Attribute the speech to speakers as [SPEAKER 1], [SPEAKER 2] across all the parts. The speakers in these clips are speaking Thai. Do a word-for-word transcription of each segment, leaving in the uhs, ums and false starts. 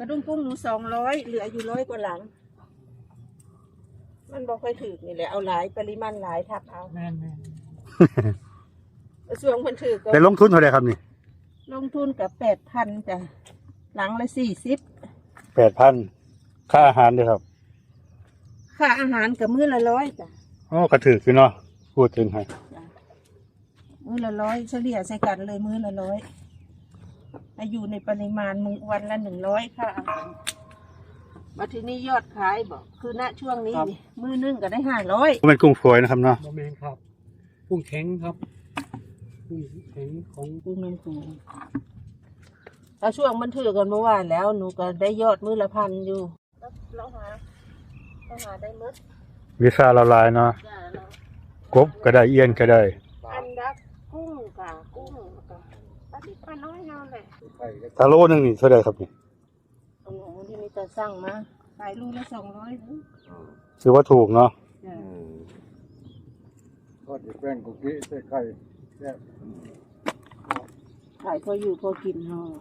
[SPEAKER 1] ระดุมกุ้งหนูสองร้อยเหลืออยู่ร้อยกว่าหลังมันบอกค่อยถือนี่แหละเอาหลายปริมาณหลายทับเอาแม่นแม่นส่วนคนถือก็
[SPEAKER 2] แต่ลงทุนเท่าไหร่ครับนี่
[SPEAKER 1] ลงทุนกับแปดพันจ้ะหลังละสี่สิบ
[SPEAKER 2] แปดพันค่าอาหารด้วยครับ
[SPEAKER 1] ค่าอาหารกับมื้อละร้อยจ้ะ
[SPEAKER 2] อ๋อกระถือคือเนาะพูดถึงให้
[SPEAKER 1] มื้อละร้อยเฉลี่ยใส่กันเลยมื้อละร้อยอายุในปริมาณวันละหนึ่งร้อยค่าอาหารมาทีนี้ยอดขายบอกคือณช่วงนี้นี่มือนึงก็ได้ห้าร้อย
[SPEAKER 2] เป็นกุ้งฝอยนะครับเนาะ
[SPEAKER 3] โมเมนครับกุ้งแข็งครับกุ้งแข็งของ
[SPEAKER 1] กุ้งน้ำปูถ้าช่วงมันถือกันเมื่อวานแล้วหนูก็ได้ยอดมือละพันอยู่เราหาเราหาได้มด
[SPEAKER 2] วิชาละลายเนาะกบก็ได้เอี้ยนก็ได้
[SPEAKER 1] อันดับกุ้งกะกุ้งกะปลาดิบปลาน้อยเนาะเลย
[SPEAKER 2] ถ้าโลนึงนี่เท่าไหร่ครับนี่
[SPEAKER 1] โอ้โหที่นี่จะสั่งมาขายลูกละสองร้อย
[SPEAKER 2] ถือว่าถูกเนาะ
[SPEAKER 3] ก็จะแป้งกุกี้ใส่ไข่
[SPEAKER 1] ขายพออยู่พอกินเนาะ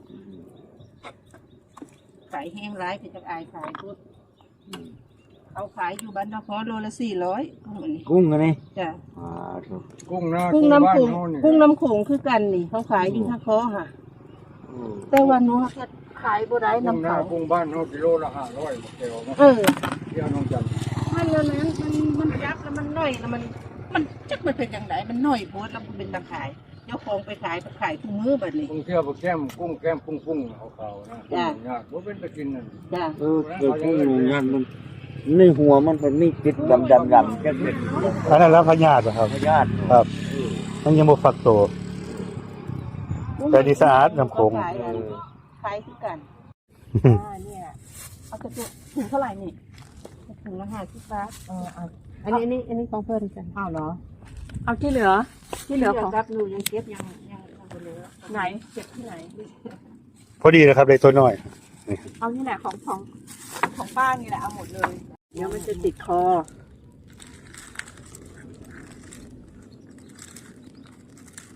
[SPEAKER 1] ขายแห้งร้ายก็จะอายขายพุทธเอาขายอยู่บ้านนครโลละสี่ร้อย
[SPEAKER 3] กุ้งอันนี้
[SPEAKER 1] จ้ะ
[SPEAKER 3] กุ้งนะ
[SPEAKER 1] กุ้งน้ำโขงกุ้งน้ำโขงคือกันนี่เขาขายอยู่ท่าคอค่ะแต่วันนู้นเขาขายบัวได้น้ำเขา
[SPEAKER 3] กุ้งบ้านเขากิโลละห้าร้อยเดียว
[SPEAKER 1] เออ
[SPEAKER 3] เดียวน้องจัน
[SPEAKER 1] มันแล้วนั้นมันมันยักษ์แล้วมันน้อยแล้วมันมันจักมันเป็นอย่างไรมันน้อยโพดแล้วมันเป็นตะขายเจ้าของไปขายไปขายทุ่งมือแบบนี้
[SPEAKER 3] กุ้งเที่ยวไปแก้มกุ้งแก้มปุ้งปุ้งเขาเขานะจ้ะยากว่าเป็นตะกินนั่น
[SPEAKER 1] จ้ะ
[SPEAKER 3] เออเออกุ้งหนูงานมันในหัวมันเป็นมีติดดำดำดำแค่เป็น
[SPEAKER 2] อันนั้นแล้วพญาติครับ
[SPEAKER 3] พญาติ
[SPEAKER 2] ครับมันยังโมฟักโตแต่ดีสะอาดน้ำโขง
[SPEAKER 1] ขายคือกันเนี่ยเอากระจุกถุงเท่าไหร่นี่ถุงละห้าสิบบาทเออเอาอันนี้อันนี้อันนี้ของเพื่อนกันเอาเหรอเอาที่เหลือที่เหลือของรับหนูยังเก็บยังยังยังเหลือไหนเก็บที่ไหน
[SPEAKER 2] พอดีเลยครับเลยตัวน้อย
[SPEAKER 1] เอานี่แหละของของของป้านี่แหละเอาหมดเลยเดี๋ยวมันจะติดคอ